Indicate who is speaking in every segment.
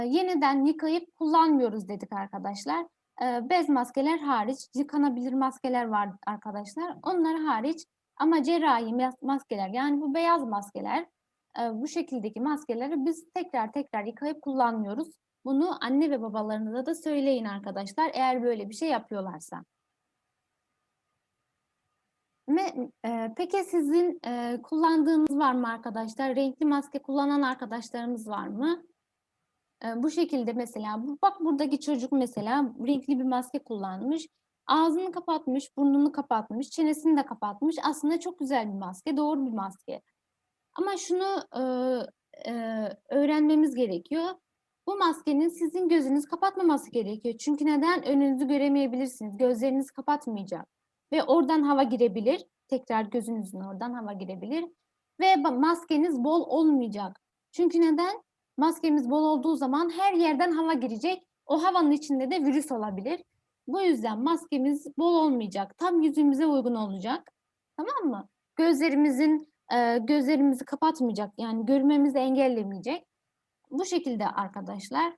Speaker 1: Yeniden yıkayıp kullanmıyoruz dedik arkadaşlar. Bez maskeler hariç, yıkanabilir maskeler var arkadaşlar. Onlar hariç ama cerrahi maskeler, yani bu beyaz maskeler, bu şekildeki maskeleri biz tekrar yıkayıp kullanmıyoruz. Bunu anne ve babalarınıza da söyleyin arkadaşlar, eğer böyle bir şey yapıyorlarsa. Peki sizin kullandığınız var mı arkadaşlar? Renkli maske kullanan arkadaşlarımız var mı? Bu şekilde mesela, bak buradaki çocuk mesela renkli bir maske kullanmış. Ağzını kapatmış, burnunu kapatmış, çenesini de kapatmış. Aslında çok güzel bir maske, doğru bir maske. Ama şunu öğrenmemiz gerekiyor. Bu maskenin sizin gözünüzü kapatmaması gerekiyor. Çünkü neden? Önünüzü göremeyebilirsiniz. Gözleriniz kapatmayacak. Ve oradan hava girebilir. Tekrar gözünüzün oradan hava girebilir. Ve maskeniz bol olmayacak. Çünkü neden? Maskemiz bol olduğu zaman her yerden hava girecek. O havanın içinde de virüs olabilir. Bu yüzden maskemiz bol olmayacak. Tam yüzümüze uygun olacak. Tamam mı? Gözlerimizi kapatmayacak. Yani görmemizi engellemeyecek. Bu şekilde arkadaşlar.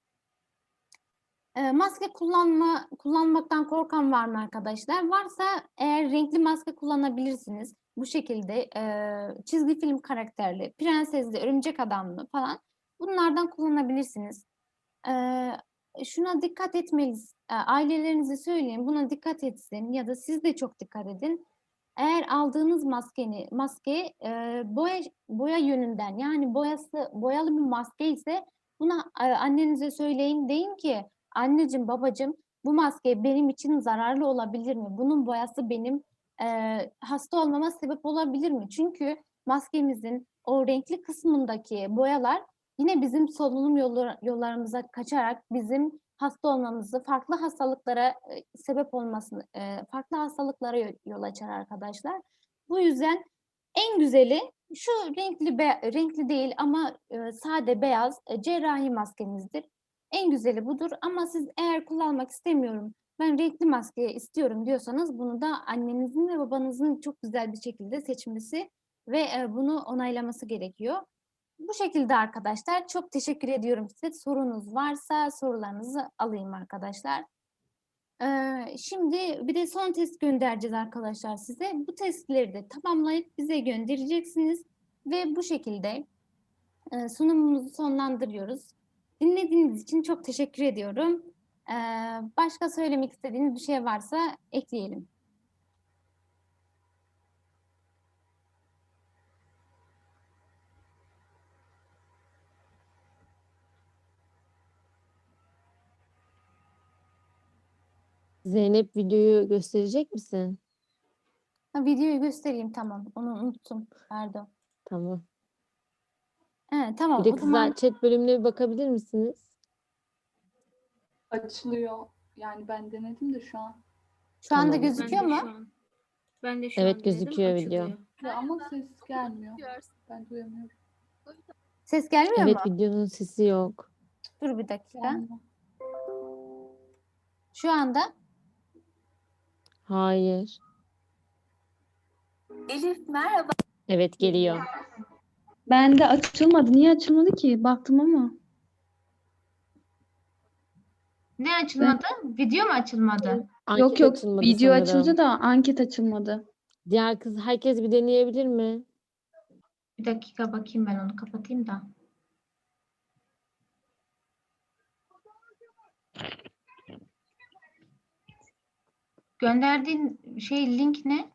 Speaker 1: Maske kullanmaktan korkan var mı arkadaşlar? Varsa eğer renkli maske kullanabilirsiniz. Bu şekilde çizgi film karakterli, prensesli, örümcek adamlı falan, bunlardan kullanabilirsiniz. Şuna dikkat etmeliyiz. Ailelerinize söyleyin, buna dikkat etsin ya da siz de çok dikkat edin. Eğer aldığınız maske boya yönünden, yani boyalı bir maske ise buna annenize söyleyin, deyin ki anneciğim, babacığım, bu maske benim için zararlı olabilir mi? Bunun boyası benim hasta olmama sebep olabilir mi? Çünkü maskemizin o renkli kısmındaki boyalar yine bizim solunum yollarımıza kaçarak bizim hasta olmamızı, farklı hastalıklara sebep olmasını, farklı hastalıklara yol açar arkadaşlar. Bu yüzden en güzeli şu renkli değil ama sade beyaz cerrahi maskemizdir. En güzeli budur, ama siz eğer kullanmak istemiyorum, ben renkli maske istiyorum diyorsanız, bunu da annenizin ve babanızın çok güzel bir şekilde seçmesi ve bunu onaylaması gerekiyor. Bu şekilde arkadaşlar. Çok teşekkür ediyorum size. Sorunuz varsa sorularınızı alayım arkadaşlar. Şimdi bir de son test göndereceğiz arkadaşlar size. Bu testleri de tamamlayıp bize göndereceksiniz. Ve bu şekilde sunumumuzu sonlandırıyoruz. Dinlediğiniz için çok teşekkür ediyorum. Başka söylemek istediğiniz bir şey varsa ekleyelim.
Speaker 2: Zeynep, videoyu gösterecek misin?
Speaker 1: Videoyu göstereyim, tamam. Onu unuttum. Pardon.
Speaker 2: Tamam.
Speaker 1: Evet, tamam.
Speaker 2: Bir de
Speaker 1: O zaman
Speaker 2: kızlar chat bölümüne bir bakabilir misiniz?
Speaker 3: Açılıyor. Yani ben denedim de şu an.
Speaker 1: şu anda
Speaker 2: Tamam.
Speaker 1: gözüküyor mu?
Speaker 4: Ben de şu
Speaker 2: Evet,
Speaker 4: an
Speaker 2: gözüküyor
Speaker 4: denedim,
Speaker 2: video.
Speaker 4: açılıyor.
Speaker 3: Ya ama ses gelmiyor. Ben duyamıyorum.
Speaker 1: Ses gelmiyor
Speaker 2: Evet,
Speaker 1: mu?
Speaker 2: videonun sesi yok.
Speaker 1: Dur bir dakika.
Speaker 3: Gelmiyor.
Speaker 1: Şu anda
Speaker 2: Hayır.
Speaker 1: Elif merhaba.
Speaker 2: Evet, geliyor.
Speaker 5: Bende açılmadı. Niye açılmadı ki? Baktım ama.
Speaker 1: Ne açılmadı? Video mu açılmadı?
Speaker 2: Anket
Speaker 5: Yok
Speaker 2: açılmadı
Speaker 5: video
Speaker 2: sanırım.
Speaker 5: açıldı da anket açılmadı.
Speaker 2: Diğer kız, herkes bir deneyebilir mi?
Speaker 1: Bir dakika bakayım, ben onu kapatayım da. Gönderdiğin link ne?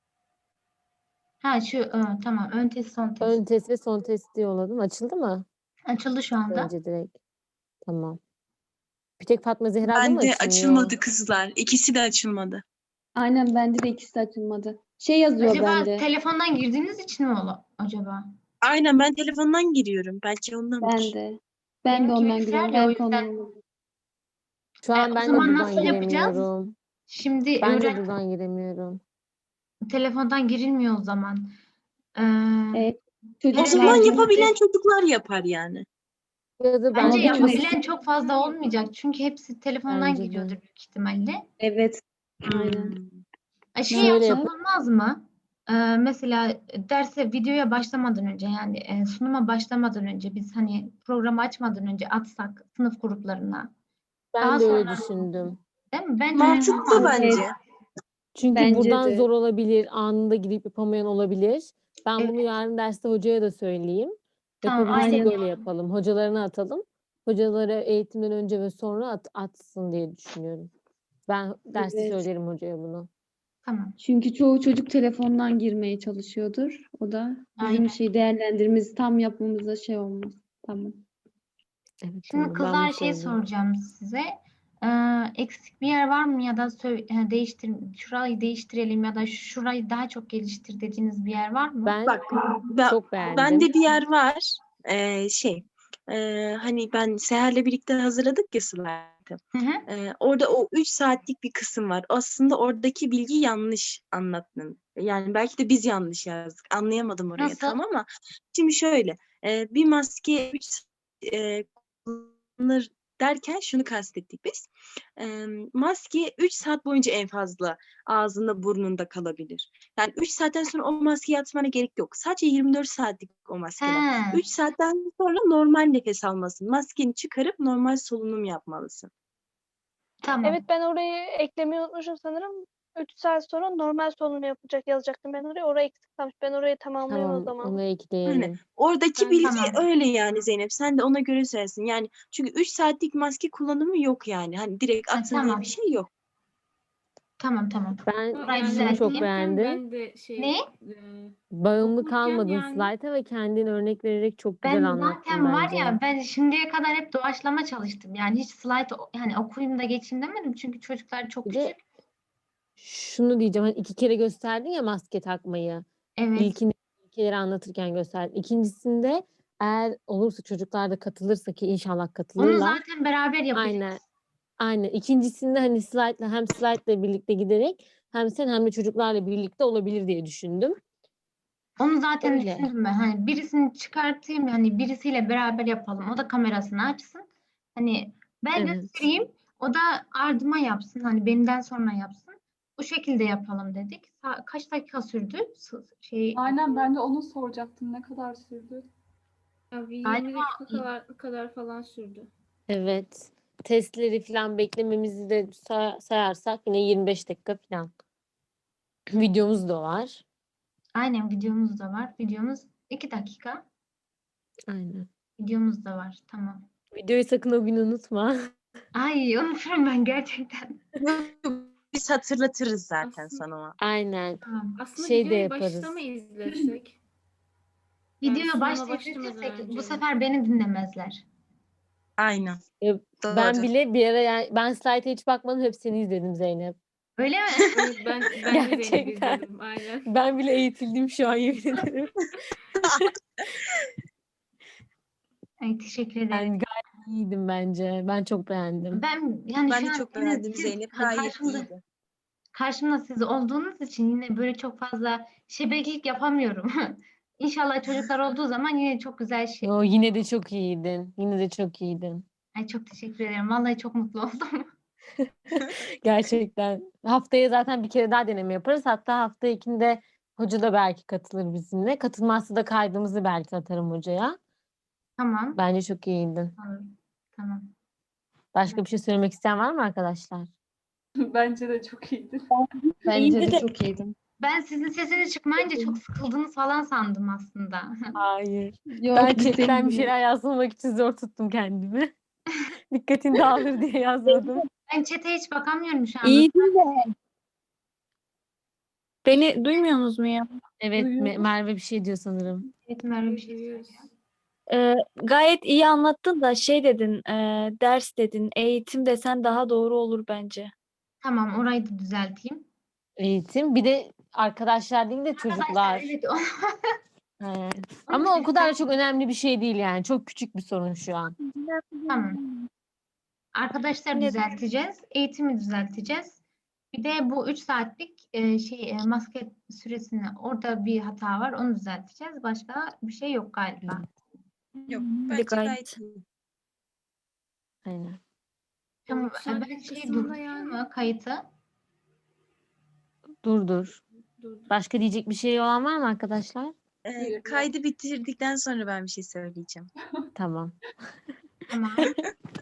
Speaker 1: Ha şu tamam, ön test son test.
Speaker 2: Ön test ve son testi yolladım. Açıldı mı?
Speaker 1: Açıldı şu anda.
Speaker 2: Önce direkt. Tamam. Bir tek Fatma Zehra'da mı
Speaker 6: Bende
Speaker 2: açılmıyor?
Speaker 6: açılmadı kızlar. İkisi de açılmadı.
Speaker 5: Aynen bende de ikisi de açılmadı. Şey yazıyor
Speaker 1: Acaba
Speaker 5: bende.
Speaker 1: telefondan girdiğiniz için mi acaba?
Speaker 6: Aynen, ben telefondan giriyorum. Belki ondandır.
Speaker 5: Ben de. Ben de
Speaker 1: Benimki
Speaker 5: ondan
Speaker 1: bilgisayar
Speaker 5: giriyorum.
Speaker 1: ya, o
Speaker 5: Belki
Speaker 1: yüzden.
Speaker 5: ondan.
Speaker 2: Şu an
Speaker 1: o
Speaker 2: ben de
Speaker 1: zaman
Speaker 2: buradan
Speaker 1: nasıl yapacağız?
Speaker 2: giremiyorum.
Speaker 1: Şimdi
Speaker 2: Ben de buradan giremiyorum.
Speaker 1: telefondan girilmiyor o zaman.
Speaker 5: Evet.
Speaker 6: O
Speaker 5: Çocuklar
Speaker 6: zaman
Speaker 1: Evet.
Speaker 6: yapabilen çocuklar yapar yani.
Speaker 2: Ya da
Speaker 1: Bence
Speaker 5: Ama
Speaker 1: yapabilen çok fazla olmayacak. Çünkü hepsi telefondan
Speaker 2: Bence de.
Speaker 1: giriyordur büyük ihtimalle.
Speaker 5: Evet. Aynen.
Speaker 6: Hmm.
Speaker 1: Şey
Speaker 2: Şöyle
Speaker 1: yapsak olmaz mı? mesela derse videoya başlamadan önce yani sunuma başlamadan önce biz hani programı açmadan önce atsak sınıf gruplarına.
Speaker 2: Ben
Speaker 1: Daha
Speaker 2: de öyle
Speaker 1: sonra
Speaker 2: düşündüm.
Speaker 1: değil mi? Bence
Speaker 6: Mantıklı bence.
Speaker 2: Çünkü
Speaker 5: Bence
Speaker 2: buradan
Speaker 5: de.
Speaker 2: zor olabilir, anında gidip yapamayan olabilir. Ben bunu
Speaker 1: Evet.
Speaker 2: yarın derste hocaya da söyleyeyim.
Speaker 1: Tamam,
Speaker 2: Yapabilirsek
Speaker 1: aynen.
Speaker 2: öyle yapalım. Hocalarına atalım. Hocalara eğitimden önce ve sonra atsın diye düşünüyorum. Ben derste
Speaker 5: Evet.
Speaker 2: söylerim hocaya bunu.
Speaker 1: Tamam.
Speaker 5: Çünkü çoğu çocuk telefondan girmeye çalışıyordur. O da
Speaker 1: Aynen.
Speaker 5: bizim değerlendirmemizi tam yapmamıza olmaz. Tamam.
Speaker 2: Evet,
Speaker 1: Şimdi
Speaker 2: tamam. Ben
Speaker 1: kızlar
Speaker 2: bunu
Speaker 1: şey
Speaker 2: söyleyeyim.
Speaker 1: soracağım size. Eksik bir yer var mı ya da şurayı değiştirelim ya da şurayı daha çok geliştir dediğiniz bir yer var mı?
Speaker 2: Ben
Speaker 6: Bak
Speaker 2: çok
Speaker 6: bende
Speaker 2: beğendim.
Speaker 6: bir yer var. Hani ben Seher'le birlikte hazırladık ya slaytı.
Speaker 1: Hı hı.
Speaker 6: Orada o 3 saatlik bir kısım var. Aslında oradaki bilgi yanlış anlattın. Yani belki de biz yanlış yazdık. Anlayamadım orayı
Speaker 1: Nasıl?
Speaker 6: tam ama şimdi şöyle bir maske 3 kullanılır derken şunu kastettik biz. Maske 3 saat boyunca en fazla ağzında burnunda kalabilir. Yani 3 saatten sonra o maskeyi atmana gerek yok. Sadece 24 saatlik o maskeler.
Speaker 1: He,
Speaker 6: 3 saatten sonra normal nefes almasın. Maskeni çıkarıp normal solunum yapmalısın.
Speaker 1: tamam.
Speaker 4: Evet, ben orayı eklemeyi unutmuşum sanırım. 3 saat sonra normal solunum yazacaktım ben oraya. Oraya eksik kalmış. Ben orayı tamamlayayım o
Speaker 2: Tamam,
Speaker 4: zaman.
Speaker 2: onu
Speaker 6: Aynen.
Speaker 2: ekleyelim.
Speaker 6: Oradaki
Speaker 4: Ben de
Speaker 6: bilgi
Speaker 1: Tamam.
Speaker 6: öyle yani Zeynep. Sen de ona göre söylesin. Yani çünkü 3 saatlik maske kullanımı yok yani. Hani direkt
Speaker 1: Ha,
Speaker 6: atın diye
Speaker 1: tamam.
Speaker 6: bir şey yok.
Speaker 1: Tamım.
Speaker 2: Ben
Speaker 1: Burayı
Speaker 2: şunu çok
Speaker 1: düzelteyim.
Speaker 2: beğendim.
Speaker 7: Ben de
Speaker 1: Ne?
Speaker 2: Bağımlı
Speaker 7: okurken
Speaker 2: kalmadın
Speaker 7: yani
Speaker 2: slayta ve kendin örnek vererek çok güzel
Speaker 1: Ben
Speaker 2: anlattın
Speaker 1: zaten var
Speaker 2: bence.
Speaker 1: ya ben şimdiye kadar hep doğaçlama çalıştım. Yani hiç slide yani okuyayım da geçeyim demedim. Çünkü çocuklar çok
Speaker 2: Bir de
Speaker 1: küçük.
Speaker 2: şunu diyeceğim. Hani 2 kere gösterdin ya maske takmayı.
Speaker 1: Evet.
Speaker 2: İlkini ilkeleri anlatırken gösterdin. İkincisinde eğer olursa çocuklar da katılırsa ki inşallah
Speaker 1: Onu
Speaker 2: katılırlar.
Speaker 1: zaten beraber yapacağız.
Speaker 2: Aynen. Aynen. İkincisinde hani slide'la birlikte giderek hem sen hem de çocuklarla birlikte olabilir diye düşündüm.
Speaker 1: Onu zaten
Speaker 2: Öyle.
Speaker 1: düşündüm ben. Hani birisini çıkartayım hani birisiyle beraber yapalım. O da kamerasını açsın. Hani ben
Speaker 2: Evet.
Speaker 1: göstereyim. O da ardıma yapsın. Hani benden sonra yapsın. Bu şekilde yapalım dedik. Kaç dakika sürdü?
Speaker 3: Aynen, ben de onu soracaktım. Ne kadar sürdü?
Speaker 7: bir 20
Speaker 1: Galiba
Speaker 7: dakika kadar falan sürdü.
Speaker 2: Evet. Testleri falan beklememizi de sayarsak yine 25 dakika falan. Videomuz da var.
Speaker 1: aynen videomuz da var. Videomuz 2 dakika.
Speaker 2: Aynen.
Speaker 1: Videomuz da var. Tamam.
Speaker 2: Videoyu sakın o gün unutma.
Speaker 1: Ay unuturum ben gerçekten.
Speaker 6: Biz hatırlatırız zaten
Speaker 7: Aslında-
Speaker 6: sana o.
Speaker 2: Aynen.
Speaker 1: Tamam.
Speaker 7: Aslında
Speaker 2: Şey de
Speaker 7: videoyu başta
Speaker 2: yaparız.
Speaker 7: mı izlesek? Yani
Speaker 1: Videoyu
Speaker 7: sunuma
Speaker 1: başta
Speaker 7: başlamadan
Speaker 1: izletirsek
Speaker 7: önce
Speaker 1: bu
Speaker 7: mi?
Speaker 1: sefer beni dinlemezler.
Speaker 6: Aynen.
Speaker 2: Ben
Speaker 6: Doğru.
Speaker 2: bile bir ara yani ben slayta hiç bakmadım hepsini izledim Zeynep.
Speaker 1: Öyle mi?
Speaker 7: Evet, ben de Zeynep'i
Speaker 2: Gerçekten.
Speaker 7: izledim. Aynen.
Speaker 2: Ben bile eğitildim şu an yemin ederim.
Speaker 1: Ay, teşekkür ederim.
Speaker 2: Yani gayet iyiydim bence. Ben çok beğendim.
Speaker 1: Ben yani
Speaker 6: Ben
Speaker 1: şu
Speaker 6: de
Speaker 1: an
Speaker 6: çok
Speaker 1: siz
Speaker 6: beğendim Zeynep. Gayet iyiydi.
Speaker 1: karşımda siz olduğunuz için yine böyle çok fazla şebeklik yapamıyorum. İnşallah çocuklar olduğu zaman yine çok güzel şey.
Speaker 2: Yo, yine de çok iyiydin. Yine de çok iyiydin.
Speaker 1: Ay, çok teşekkür ederim. Vallahi çok mutlu oldum.
Speaker 2: Gerçekten. Haftaya zaten bir kere daha deneme yaparız. Hatta hafta ikinde hoca da belki katılır bizimle. Katılmazsa da kaydımızı belki atarım hocaya.
Speaker 1: Tamam.
Speaker 2: Bence çok iyiydin.
Speaker 1: Olur. Tamam.
Speaker 2: Başka bir şey söylemek isteyen var mı arkadaşlar?
Speaker 3: Bence de çok iyiydi.
Speaker 5: Bence de çok iyiydim.
Speaker 1: Ben sizin sesiniz çıkmayınca çok sıkıldınız falan sandım aslında.
Speaker 2: Hayır.
Speaker 5: Yok,
Speaker 2: Ben
Speaker 5: biz
Speaker 2: chatten bir
Speaker 5: senin
Speaker 2: şeyler yazmamak için zor tuttum kendimi. Dikkatin dağılır diye yazmadım.
Speaker 1: Ben chat'e hiç bakamıyorum şu anda.
Speaker 8: İyiydi de. Beni duymuyorsunuz mu ya?
Speaker 2: Evet,
Speaker 3: Duyuyoruz.
Speaker 2: Merve bir şey diyor sanırım.
Speaker 1: Evet, Merve bir şey
Speaker 7: Duyuyoruz.
Speaker 8: Gayet iyi anlattın da şey dedin, ders dedin, eğitim desen daha doğru olur bence.
Speaker 1: Tamam, orayı da düzelteyim.
Speaker 2: Eğitim. Bir de arkadaşlar değil de çocuklar.
Speaker 1: Arkadaşlar evet
Speaker 2: Evet.
Speaker 1: Onu
Speaker 2: Ama o kadar da
Speaker 1: düzelteyim.
Speaker 2: çok önemli bir şey değil yani. Çok küçük bir sorun şu an.
Speaker 1: Tamam. Arkadaşlar
Speaker 8: Ne-
Speaker 1: düzelteceğiz. Eğitimi düzelteceğiz. Bir de bu 3 saatlik maske süresini orada bir hata var. Onu düzelteceğiz. Başka bir şey yok galiba.
Speaker 6: Yok,
Speaker 8: Bir de
Speaker 6: bence
Speaker 8: gayet.
Speaker 6: gayet iyi.
Speaker 2: Aynen.
Speaker 1: Tamam.
Speaker 7: üç
Speaker 1: Ben
Speaker 7: saatlik
Speaker 1: şey
Speaker 7: kısımda
Speaker 1: durdurayım
Speaker 7: yani-
Speaker 1: mı kayıtı?
Speaker 2: Dur.
Speaker 7: Dur.
Speaker 2: Başka diyecek bir şey olan var mı arkadaşlar?
Speaker 6: Kaydı bitirdikten sonra ben bir şey söyleyeceğim.
Speaker 2: Tamam.
Speaker 1: Tamam.